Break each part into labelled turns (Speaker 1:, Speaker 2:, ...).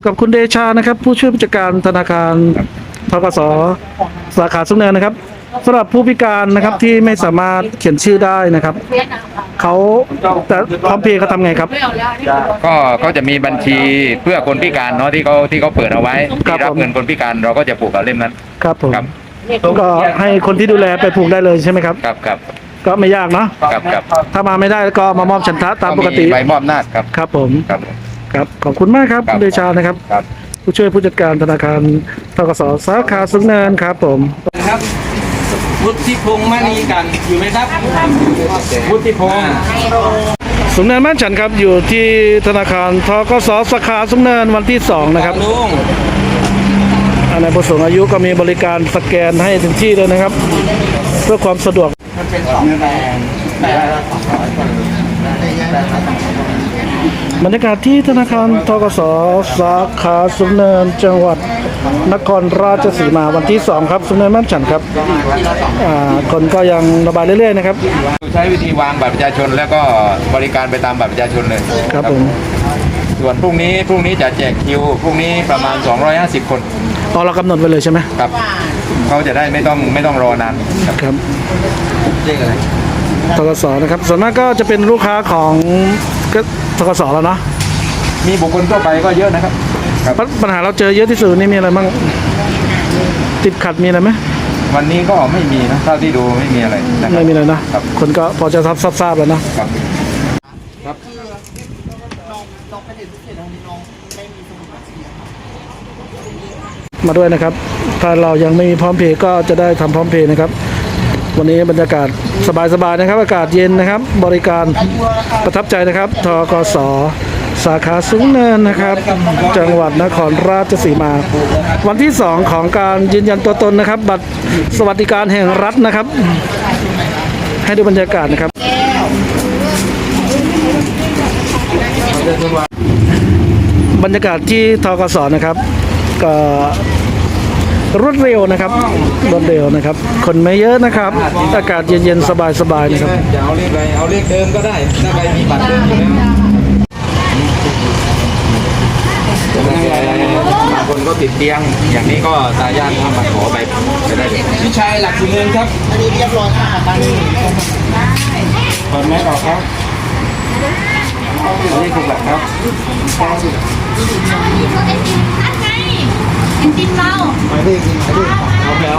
Speaker 1: กับคุณเดชานะครับผู้ช่วยผู้จัดการธนาคารธกสสาขาสุนเนินนะครับสำหรับผู้พิการนะครับที่ไม่สามารถเขียนชื่อได้นะครับเขาแต่พร้อมเพย์เขาทำไงครับ
Speaker 2: ก็จะมีบัญชีเพื่อคนพิการเนาะที่เขาเปิดเอาไว้ที่รับเงินคนพิการเราก็จะผูกกับเล่มนั้น
Speaker 1: ครับผม
Speaker 2: ครับ
Speaker 1: ก็ให้คนที่ดูแลไปผูกได้เลยใช่ไหมครับ
Speaker 2: ครับ
Speaker 1: ก็ไม่ยากเนาะ
Speaker 2: ครับ
Speaker 1: ถ้ามาไม่ได้ก็มามอบฉันทะตามปกติ
Speaker 2: ใบมอบอำนาจครับ
Speaker 1: ครับผม
Speaker 2: ครับ
Speaker 1: ครับขอบคุณมากครับคุณเดชานะครับผู้ช่วยผู้จัดการธนาคารธกสสาขาสุนเนินครับผม
Speaker 3: ครับวุฒิพงษ์มณีกันอยู่ไหมครับวุฒิพงษ์
Speaker 1: สุนเนินบ้านฉันครับอยู่ที่ธนาคารธกสสาขาสุนเนินวันที่2นะครับ
Speaker 3: ลุง
Speaker 1: ในผู้สูงอายุก็มีบริการสแกนให้ถึงที่เลยนะครับเพื่อความสะดวก
Speaker 3: มันเป็น2แต่
Speaker 1: บรรยากาศที่ธนาคารธกสสาขาสุนเนินจังหวัดนครราชสีมาวันที่2ครับสุนเนินบ้านฉันครับคนก็ยังระบายเรื่อยๆนะครับ
Speaker 2: ใช้วิธีวางบัตรประชาชนแล้วก็บริการไปตามบัตรประชาชนเลย
Speaker 1: ครับผม
Speaker 2: ส่วนพรุ่งนี้จะแจกคิวพรุ่งนี้ประมาณ250คน
Speaker 1: เรากำหนดไว้เลยใช่ไหม
Speaker 2: ครับเขาจะได้ไม่ต้องรอนาน
Speaker 1: ครับเรียกอะไรธกสนะครับส่วนมากก็จะเป็นลูกค้าของธกสแล้วเนาะ
Speaker 2: มีบุคคลทั่วไปก็เยอะนะครับ
Speaker 1: ปัญหาเราเจอเยอะที่สุดนี่มีอะไรบ้างติดขัดมีอะไรไหม
Speaker 2: วันนี้ก็ไม่มีนะเท่าที่ดูไม่มีอะไร
Speaker 1: ไม่มีเลยนะคนก็พอจะทราบแล้วนะครับมาด้วยนะครับถ้าเรายังไม่มีพร้อมเพย์ก็จะได้ทำพร้อมเพย์นะครับวันนี้บรรยากาศสบายๆนะครับอากาศเย็นนะครับบริการประทับใจนะครับธกสสาขาสุนเนินนะครับจังหวัดนครราชสีมาวันที่2ของการยืนยันตัวตนนะครับบัตรสวัสดิการแห่งรัฐนะครับให้ดูบรรยากาศนะครับบรรยากาศที่ธกสนะครับก็รวดเร็วนะครับคนไม่เยอะนะครับอากาศเย็นๆสบายๆนะครับ
Speaker 2: จะเอาเลขอะไรเอาเลขเดิมก็ได้ถ้าใครมีบัตรเดิมอยู่แล้วบางคนก็ติดเตียงอย่างนี้ก็ตายาทมาขอไปได้เลย
Speaker 3: พี่ชายหลักสุนเนินครับอันนี้เรียบร้อยค่ะตอนนี้
Speaker 2: ถอดแมสออกครับอันนี้ถูกหลักครับ
Speaker 4: ติมเรา
Speaker 2: ไปดิเอาแล้ว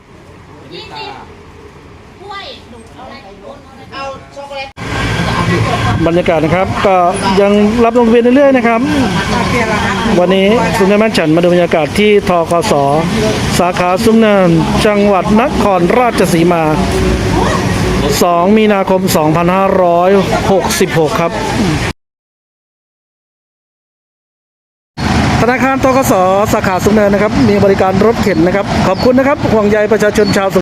Speaker 4: เอาช็อกโกแลต
Speaker 1: บรรยากาศนะครับก็ยังรับลงทะเบียนเรื่อยๆนะครับวันนี้สุนเนินบ้านฉันมาดูบรรยากาศที่ธกสสาขาสุนเนินจังหวัดนครราชสีมา2 มีนาคม 2566 ครับธนาคารธกสสาขาสุนเนินนะครับมีบริการรถเข็นนะครับขอบคุณนะครับห่วงใยประชาชนชาว